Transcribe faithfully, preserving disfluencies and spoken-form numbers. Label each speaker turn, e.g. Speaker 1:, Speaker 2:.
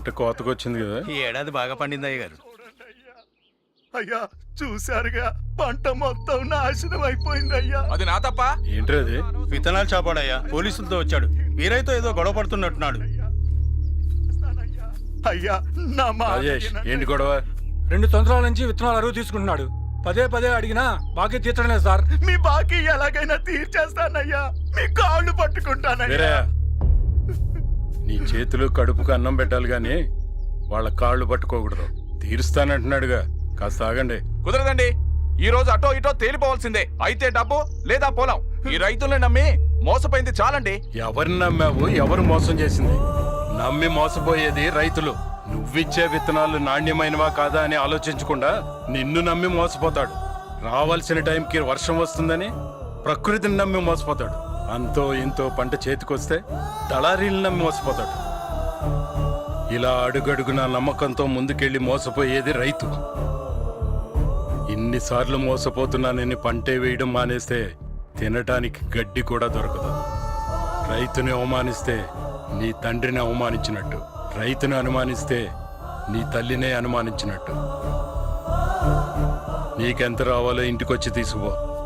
Speaker 1: పంట కోతకొచ్చింది కదా.
Speaker 2: ఈ ఏడాది బాగా పండింది అయ్య గారు.
Speaker 3: అయ్యా చూశారుగా, పంట మొత్తం నాశనం అయిపోయింది అయ్యా.
Speaker 4: అది నా తప్ప.
Speaker 1: ఏంటి అది?
Speaker 2: విత్తనాలు చాపాడయ్యా, పోలీసులతో వచ్చాడు. వీరైతో ఏదో గొడవ పడుతున్నట్టున్నాడు.
Speaker 3: అయ్యా నా మాట
Speaker 1: రాజేష్,
Speaker 3: వినండి.
Speaker 1: ఏంటి గొడవ?
Speaker 5: రెండు సంవత్సరాల నుంచి విత్తనాలు అరువు తీసుకుంటున్నాడు. పదే పదే అడిగినా బాకీ తీర్చడం లేదు సార్.
Speaker 3: మీ బాకీ ఎలాగైనా తీర్చేస్తానయ్యా, మీ కాళ్ళు పట్టుకుంటానయ్యా.
Speaker 1: వేరే నీ చేతులు కడుపుకు అన్నం పెట్టాలి గాని వాళ్ళ కాళ్ళు పట్టుకోకూడదు. తీరుస్తానంటున్నాడుగా, కాస్త ఆగండి.
Speaker 4: కుదరదండి. ఈ రోజు అటో ఇటో తేలిపోవాల్సిందే. అయితే డబ్బు లేదా పొలం. ఈ రైతుల్ని నమ్మి మోసపోయింది చాలండి.
Speaker 1: ఎవరిని నమ్మావు? ఎవరు మోసం చేసింది? నమ్మి మోసపోయేది రైతులు. నువ్విచ్చే విత్తనాలు నాణ్యమైనవా కాదా అని ఆలోచించకుండా నిన్ను నమ్మి మోసపోతాడు. రావాల్సిన టైంకి వర్షం వస్తుందని ప్రకృతిని నమ్మి మోసపోతాడు. అంతో ఇంతో పంట చేతికొస్తే దళారీలు నమ్మి మోసపోతాడు. ఇలా అడుగడుగున నమ్మకంతో ముందుకెళ్లి మోసపోయేది రైతు. ఇన్నిసార్లు మోసపోతున్నానని పంటే వేయడం మానేస్తే తినటానికి గడ్డి కూడా దొరకదు. రైతుని అవమానిస్తే నీ తండ్రిని అవమానించినట్టు, రైతుని అనుమానిస్తే నీ తల్లినే అనుమానించినట్టు. నీకెంత రావాలో ఇంటికొచ్చి తీసుకుపో.